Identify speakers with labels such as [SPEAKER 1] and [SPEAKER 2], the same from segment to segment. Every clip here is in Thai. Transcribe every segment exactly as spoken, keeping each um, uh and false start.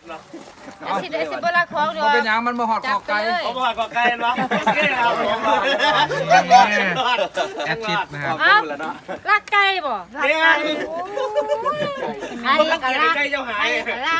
[SPEAKER 1] สิได้สิบ่รักของเด้อ
[SPEAKER 2] มันเป็นหยังมันมาหอดคอไก่
[SPEAKER 3] เขาบอกก่อไก่เนาะโอเคครับ
[SPEAKER 2] แอดชิดนะครับ
[SPEAKER 1] อ้าวรักไก่บ่รัก
[SPEAKER 3] เนี่ย
[SPEAKER 1] ไก่ไก่
[SPEAKER 3] มัน
[SPEAKER 1] ก็
[SPEAKER 3] เกลียด
[SPEAKER 1] รัก
[SPEAKER 3] ไก่เจ้าหาย
[SPEAKER 1] ไก่ก็รัก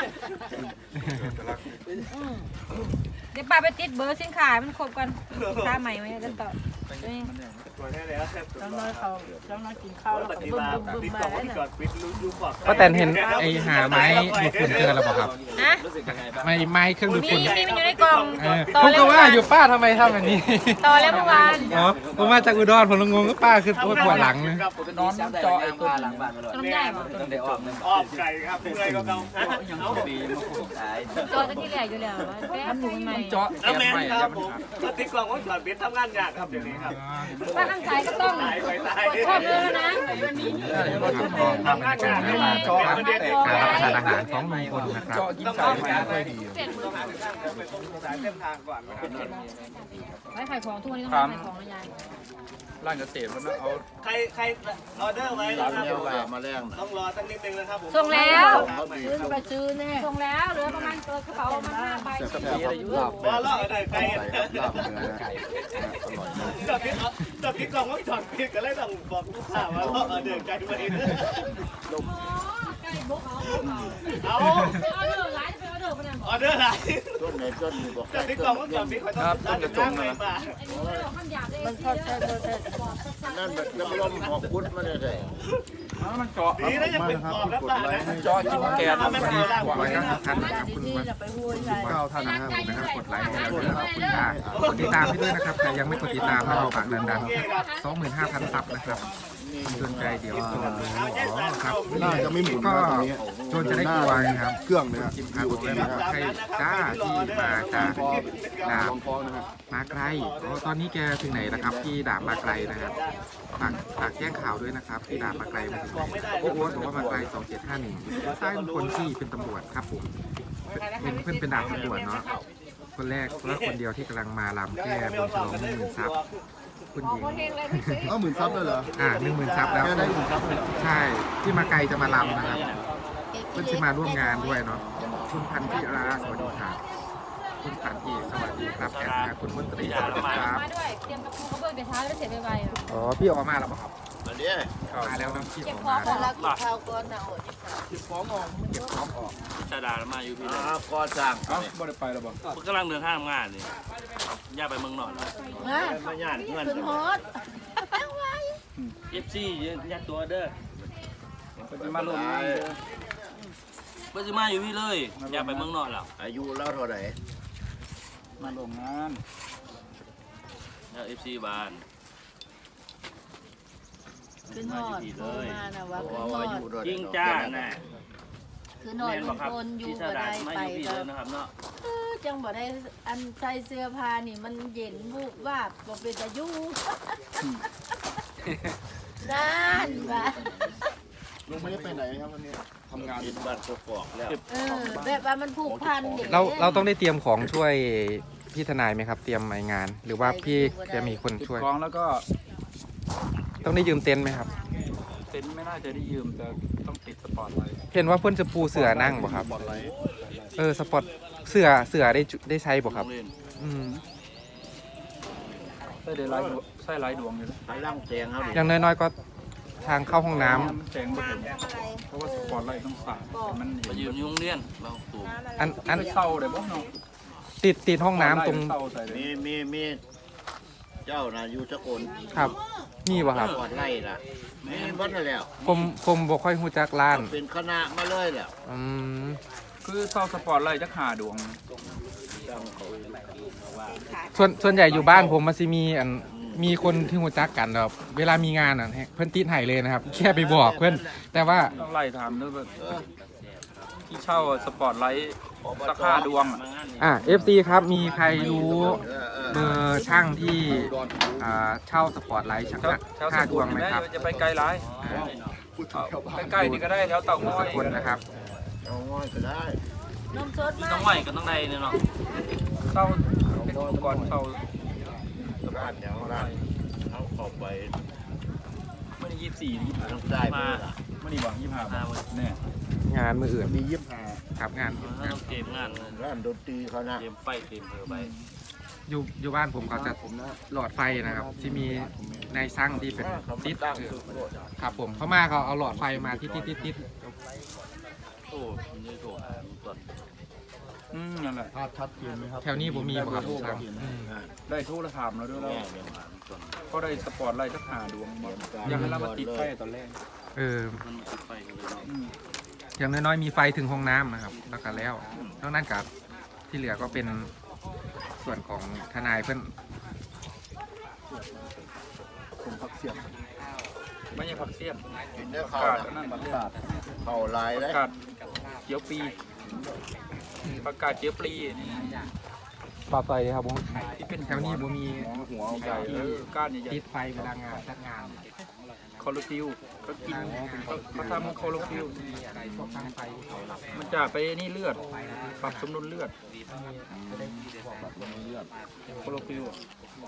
[SPEAKER 1] เดี๋ยวป้าไปติดเบอร์สินค้ามันครบกันสินค้าใหม่มากันต่อ
[SPEAKER 4] จ้องน้อยเขาจ้องน้อยกินข้าวแล้วก็บึ้มบึ้มบึ้มมาแล้วเนี่ย
[SPEAKER 2] ป้าแตนเห็นไอ้หาไม้ดูดฝุ่นเจอแล้วเปล่าครับ
[SPEAKER 1] ฮะ
[SPEAKER 2] ไม้ไม้เครื่องดูด
[SPEAKER 1] มี
[SPEAKER 2] ฝุ่น
[SPEAKER 1] มีมันอยู่ในกล่อง
[SPEAKER 2] เออ
[SPEAKER 1] ต่อ
[SPEAKER 2] ผม
[SPEAKER 1] แล้ว
[SPEAKER 2] ก็
[SPEAKER 1] เมื่อ
[SPEAKER 2] ว่า
[SPEAKER 1] วาน
[SPEAKER 2] อยู่ป้าทำไมทำแบบนี้
[SPEAKER 1] ต่อแล้วเมื่อวาน
[SPEAKER 2] อ๋อผมมาจากอุดรผมงงก็ป้าคือปวดหลังนะ
[SPEAKER 5] นอนเจาะไอ้ตัวหลังบ้าน
[SPEAKER 1] ต้มได้บ่
[SPEAKER 5] ต้องได้ออกนึง
[SPEAKER 3] ออกไก่ครับเมื่อยก็เก่า
[SPEAKER 5] ยังดีมาคู่ตาย
[SPEAKER 1] จอดที่แรกอยู่แล้วแป๊บนึงใหม่
[SPEAKER 2] เจาะ
[SPEAKER 3] แล้วแม่ครับผมติดกล่องว่าถอดบิดทำงานยากครับเดี๋ยวนี้ครับ
[SPEAKER 1] ป้าข้างซ้ายก็ต้อง
[SPEAKER 3] ตายไปตาย
[SPEAKER 1] กดข้อมือแล้วนะ
[SPEAKER 3] ทำงานยาก
[SPEAKER 2] ให้
[SPEAKER 3] มา
[SPEAKER 2] มา
[SPEAKER 3] จอ
[SPEAKER 2] การ
[SPEAKER 3] ประเด็น
[SPEAKER 2] รับประทานอาหารของลุงพลนะครับ
[SPEAKER 3] ต้องเอาไปต้องหาสายเส้นทางก่อนนะครับ
[SPEAKER 1] ไว้ขายของทุกวันนี้ต้องขายของนะยาย
[SPEAKER 2] ร้านเกษตรมันเอา
[SPEAKER 3] ใครใครออเดอร์ไว้นะครับ
[SPEAKER 5] มาแรง
[SPEAKER 3] ต้องรอตั้งนิดนึงนะครับผม
[SPEAKER 1] ส่งแล้ว
[SPEAKER 4] ซื้อไปซื้อแน่
[SPEAKER 1] ส่งแล้วเหลือประมาณตัวกระเป๋ามันห้าใบ
[SPEAKER 3] ว่าล่อได้ไก่จอดพิษจอดพิษกล่องว่าจอดพิษก็เลยต้องบอกลูกค้าว่าล่อเดินไก่ไปเอา
[SPEAKER 1] เอาเด้อหลายเอาเด้อพนัน
[SPEAKER 3] ออเดอร์ไหน
[SPEAKER 5] ต้นไหนต้นนี่บอก
[SPEAKER 3] จอดพิษกล่องว่าจอดพิษเขาต้องจอดพิษมา
[SPEAKER 1] อันนี้ไม่ได้คำหยาบเลย
[SPEAKER 4] มันทอดใช่ทอดใช่
[SPEAKER 5] นั่นแบบน้ำลมหอกพุทธมาได้เลย
[SPEAKER 2] มันเจาะ
[SPEAKER 3] ดีนะยังเป็นขอบแล้วป่ะนะ
[SPEAKER 2] เจาะจิ้มแกน
[SPEAKER 3] ไม่เป็นไร
[SPEAKER 2] ไว้ก็สำคัญนะครับคุณ
[SPEAKER 4] ที่
[SPEAKER 2] วั
[SPEAKER 4] จะไปห้วยใช่
[SPEAKER 2] เก้าท่านนะครับผมนะครับกดไลค์กดนะครับคุณตากดติดตามให้ด้วยนะครับใครยังไม่กดติดตามนะครับฝากดันๆ สองหมื่นห้าพัน ซับนะครับสนใจเดี๋ยวโจนรู้อ๋อครับ
[SPEAKER 6] น่าจะไม่หมุน
[SPEAKER 2] ก็
[SPEAKER 6] นะตรงนี้
[SPEAKER 2] โจนจะได้กลัวนะครับ
[SPEAKER 6] เครื่องนะฮะ
[SPEAKER 2] จิมพาบอกเลยนะครับใครกล้าที่มาจากดาบ
[SPEAKER 6] ลองคล้องนะฮะ
[SPEAKER 2] มาไกลอ๋อตอนนี้แกถึงไหนนะครับที่ดาบมาไกลนะครับฝากฝากแจ้งข่าวด้วยนะครับที่ดาบมาไกลมาถึงไหนโอ้โหบอกว่ามาไกลสองเจ็ดห้าหนึ่งใต้เป็นคนที่เป็นตำรวจครับผมเป็นเพื่อนเป็นดาบตำรวจเนาะคนแรกและคนเดียวที่กำลังมาลำแก้บนฉลองหนึ่งหมื่นซับคุณหญิง
[SPEAKER 6] เอ้าหมื่นซับเลยเหรอ
[SPEAKER 2] อ่าหนึ่งหมื่นซับแล้ว
[SPEAKER 6] แค่ได้หมื่นซับเลย
[SPEAKER 2] ใช่ที่มาไกลจะมาลำนะครับเพื่อนที่มาร่วมงานด้วยเนาะคุณพันธิราสวัสดีครับคุณพันธีสวัสดีครับแอดนะคุณมนตรีสวัสดีครับ
[SPEAKER 1] มาด้วยเตรียมกระปุกกระเบื้องไปท้าแล้วเสร็จไวๆ
[SPEAKER 2] อ๋อพี่ออกมาแล้วเปล่าครับ
[SPEAKER 5] อันนี้
[SPEAKER 2] มาแล้วนะพี่อ
[SPEAKER 1] เก็บอก
[SPEAKER 2] มา
[SPEAKER 1] ของ
[SPEAKER 4] แล้วกินข้าวก่อนนะโอ้ย
[SPEAKER 2] เก็บของออก
[SPEAKER 3] ชาดามาอยู่พี่
[SPEAKER 5] อ่าก่อสร้าง
[SPEAKER 2] เอ้าบ่ได้ไปแล้วบ่
[SPEAKER 3] ผมกำลังเดินทางงานนี่ย่าไปเมืองนอน
[SPEAKER 4] มา
[SPEAKER 3] มาย่านเงิน
[SPEAKER 4] ขึ้นฮอต
[SPEAKER 3] เอฟซียัดตัวเด้อ
[SPEAKER 2] ก็จะมาลง
[SPEAKER 3] เพิ่งจะมาอยู่พี่เลยย่าไปเมืองนอนแล้ว
[SPEAKER 5] อายุแล้วเท่าไหร่
[SPEAKER 2] มาลงงาน
[SPEAKER 3] แล้วเอฟซีบาน
[SPEAKER 4] ขึ้นฮอตโทรมานะว่า
[SPEAKER 5] เพ
[SPEAKER 4] ขึ้น
[SPEAKER 5] ราะ
[SPEAKER 4] ฮ
[SPEAKER 5] ว่า
[SPEAKER 4] อ
[SPEAKER 5] อา
[SPEAKER 4] ต
[SPEAKER 5] ยุด้วย
[SPEAKER 3] จริงจ้าน่ะ
[SPEAKER 4] ขึ้นฮอตลุงพลอยู่
[SPEAKER 3] พี่ชา
[SPEAKER 4] บ่
[SPEAKER 3] ดา
[SPEAKER 4] ได้
[SPEAKER 3] มา
[SPEAKER 4] ไป
[SPEAKER 3] อยู่พี่
[SPEAKER 4] ก็
[SPEAKER 3] เลยนะครับเนาะ
[SPEAKER 4] เออจังบ่ได้อันใส่เสื้อผ้านี่มันเย็นบุบวาบบ่เป็นตาอยู่นั่นว่ะ
[SPEAKER 6] ลุงไม่ได้ไปไหนครับวันนี้ทำงาน
[SPEAKER 5] กินบ้านกกอกแล้ว
[SPEAKER 4] เออแบบว่ามันผูกพันด็ก
[SPEAKER 2] เราเราต้องได้เตรียมของช่วยพี่ทนายไหมครับ เตรียมไม้งาน หรือว่าพี่จะมีคนช่วย
[SPEAKER 7] ของแล้วก็
[SPEAKER 2] ต้องได้ยืมเต็นท์ไหมครับ
[SPEAKER 7] เต็นท์ไม่น่าจะได้ยืมแต่ต้องติดสปอร์ตไลท์
[SPEAKER 2] เห็นว่าเพื่อนจะปูเสือนั่งบ่ครับ
[SPEAKER 6] บอลไลท์
[SPEAKER 2] เออสปอตเสือเสือได้จุได้ใช้บ่ครับ
[SPEAKER 3] โงเยน
[SPEAKER 2] อืม
[SPEAKER 7] ใส่ได้ไลท์ดวงใส่ไลท์ดวงอยู่แล้ว
[SPEAKER 5] ไปล่างแจงเขาดิ
[SPEAKER 2] อย่างน้อยๆก็ทางเข้าห้องน้ำ
[SPEAKER 7] แจงไม่ถึงเพราะว่าสปอร์ตไลท์ต้องสาดให้มัน
[SPEAKER 3] มายืมยุ่งเรียนเราตู
[SPEAKER 2] อันอัน
[SPEAKER 7] ไปเศร้าเลยบ่เนาะ
[SPEAKER 2] ติดติดห้องน้ำตรง
[SPEAKER 7] เศร้าใส่เลย
[SPEAKER 5] มีมีมีเจ้านะอยู่สกล
[SPEAKER 2] ครับนี่บ่ครับ
[SPEAKER 5] ก่อนไล่ล่ะมีวัดแล้ว
[SPEAKER 2] ผมผมบ่ค่อยฮู้จักร้าน
[SPEAKER 5] เป็นคณะมาเลยแล้ว
[SPEAKER 2] อืม
[SPEAKER 7] คือเศร้าสปอร์ตไลท์จักหาดวง
[SPEAKER 2] ส่วนส่วนใหญ่อยู่บ้านผมมันสิมีอันมีคนที่ฮู้จักกันแบบเวลามีงานอ่ะเพิ่นติดให้เลยนะครับ แค่ไปบอกเพิ่นแต่ว่า
[SPEAKER 7] ต้องไล่ถามด้วยว่าที่เช่าสปอร์ตไลท์สักห้าดวงอะ
[SPEAKER 2] อ่ะ เอฟ ซี ครับมีใครรู้
[SPEAKER 5] เออเออ
[SPEAKER 2] เบอร์ช่างที่อ่าเช่าสปอร์ตไลท์ชัก
[SPEAKER 7] แถวแถวส
[SPEAKER 2] ห้าด
[SPEAKER 7] กุ
[SPEAKER 2] ว
[SPEAKER 7] ล
[SPEAKER 2] งไหม
[SPEAKER 7] ได้
[SPEAKER 2] ครับ
[SPEAKER 7] จะไปไกลหลาย
[SPEAKER 2] อ่า
[SPEAKER 7] เอาใกล้ๆนี่ก็ได้แถวเต่าง
[SPEAKER 2] ส
[SPEAKER 7] อย
[SPEAKER 2] กลนะครับ
[SPEAKER 5] เอาง่อยก็ได้
[SPEAKER 4] นมสด
[SPEAKER 3] มี
[SPEAKER 4] มา
[SPEAKER 3] ต้องไหวก็ต้องได้เนี่ยเนาะ
[SPEAKER 7] เศร้าเป็นอุปกรณ์เศร้า
[SPEAKER 5] ร้านอย่างร้านเอาออกไป
[SPEAKER 7] ไม่ได้ยี่สิบสี่นี่
[SPEAKER 5] ทางใต้
[SPEAKER 3] มา
[SPEAKER 5] มา
[SPEAKER 7] ไม่ได้หวังยี่สิบห้าบาทแน่
[SPEAKER 2] งานมืออื่น
[SPEAKER 6] มียี่สิบห้า
[SPEAKER 2] ครับงานงาน
[SPEAKER 5] เกมงาน
[SPEAKER 6] ร้านดนตรีเขานะ
[SPEAKER 5] เกมไฟเกมเพอไป
[SPEAKER 2] อยู่อยู่บ้านผมเขาจะหลอดไฟนะครับ ที่มีในสร้างที่เป็นติดเออครับผมเขามาเขาเอาหลอดไฟมาที่ติดติดติด
[SPEAKER 5] โอ้มันจะโทรหาตอน
[SPEAKER 7] อืมนั่นแหละ
[SPEAKER 6] ภาพชัดเจนไหมครับ
[SPEAKER 2] แถวนี้ผมมีบ่ครับสร้างอืม
[SPEAKER 7] ได้โทรถามแล้วด้วยเรา
[SPEAKER 5] แง่เดี๋ยวหาตอน
[SPEAKER 7] ก็ได้สปอร์ตไลท์สักหาดวงบ่อยากให้เรามาติดไฟตอนแรก
[SPEAKER 2] เออ
[SPEAKER 5] มันติดไฟกันเลยเนาะ
[SPEAKER 7] อืม
[SPEAKER 2] อย่างน้อยๆมีไฟถึงห้องน้ำนะครับ แล้วก็แล้วนอกนั้นกับที่เหลือก็เป็นส่วนของทนายเพื่อน
[SPEAKER 6] ผมพักเสียง
[SPEAKER 7] ไม่ใช่ผักเสี้ยน
[SPEAKER 6] กินได้
[SPEAKER 7] ผัก
[SPEAKER 6] ข้าว
[SPEAKER 7] กาดอันนั่นผักกาด
[SPEAKER 6] เข้าลาย
[SPEAKER 7] ผั
[SPEAKER 6] ได้
[SPEAKER 7] กกาดเจียวปีผักกาดเจียวปลีนี่
[SPEAKER 2] ปลาไฟครับผม
[SPEAKER 7] ที่เป็น
[SPEAKER 2] แถวนี้ผมมี
[SPEAKER 7] หัวใหญ่เออก้านใหญ่
[SPEAKER 2] ติดไฟเวลางานจัดงาน
[SPEAKER 7] ๆคอโลฟิลก็กินเขาเขาทำคอโลฟิล
[SPEAKER 2] มีอะไรพวกตั้งไฟที่เขาหลับ
[SPEAKER 7] มันจะไปนี่เลือด ปรับสมดุลเลือด
[SPEAKER 2] จะได้บอกแบบลงเลือด
[SPEAKER 7] คอโลฟิลอะ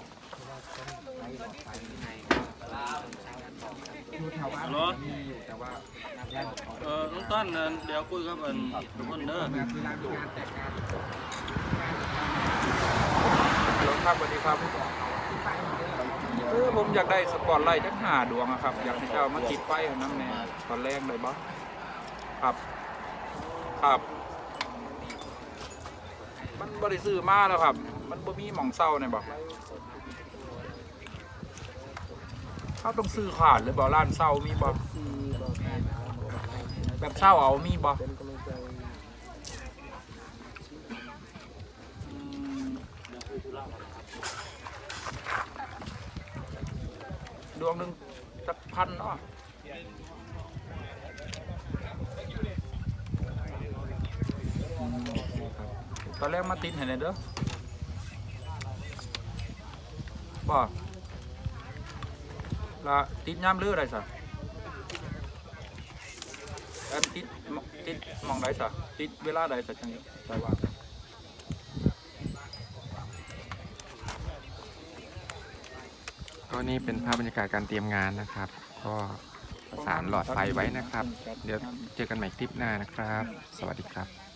[SPEAKER 2] อยู่แถวบ้านมีอยู่แต่ว่า
[SPEAKER 5] เออน้องต้นนั่นเดี๋ยวคุยกับอันทุกคนเด้อ
[SPEAKER 2] เวลามีงานแต่งงาน
[SPEAKER 7] เดี๋ยวครับสวัสดีครับเออผมอยากได้สปอร์ตไลท์ทั้งหาดวงอะครับ อยากให้เจ้ามาติดไฟอันน้ำแน่ตอนแรกเลยบ้างครับ ครับ มันบริซื้อมาแล้วครับ มันบ่มีหม่องเศร้าเนี่ยบอกเขาต้องซื้อขาดหรือบ่ร้านเศร้ามีบ่แบบเศร้าเอามีบ่อืมดวงหนึ่งสักพันเนาะตอนแรกมาติดเห็นเลยเด้อบ่ละติดย่ำเลืออะไรสะแอบติดมติดมองได้สะติดเวลาใดสะจังใช่ว่า
[SPEAKER 2] ก็นี่เป็นภาพบรรยากาศการเตรียมงานนะครับ ก็ประสานหลอดไฟไว้นะครับ เดี๋ยวเจอกันใหม่คลิปหน้านะครับ สวัสดีครับ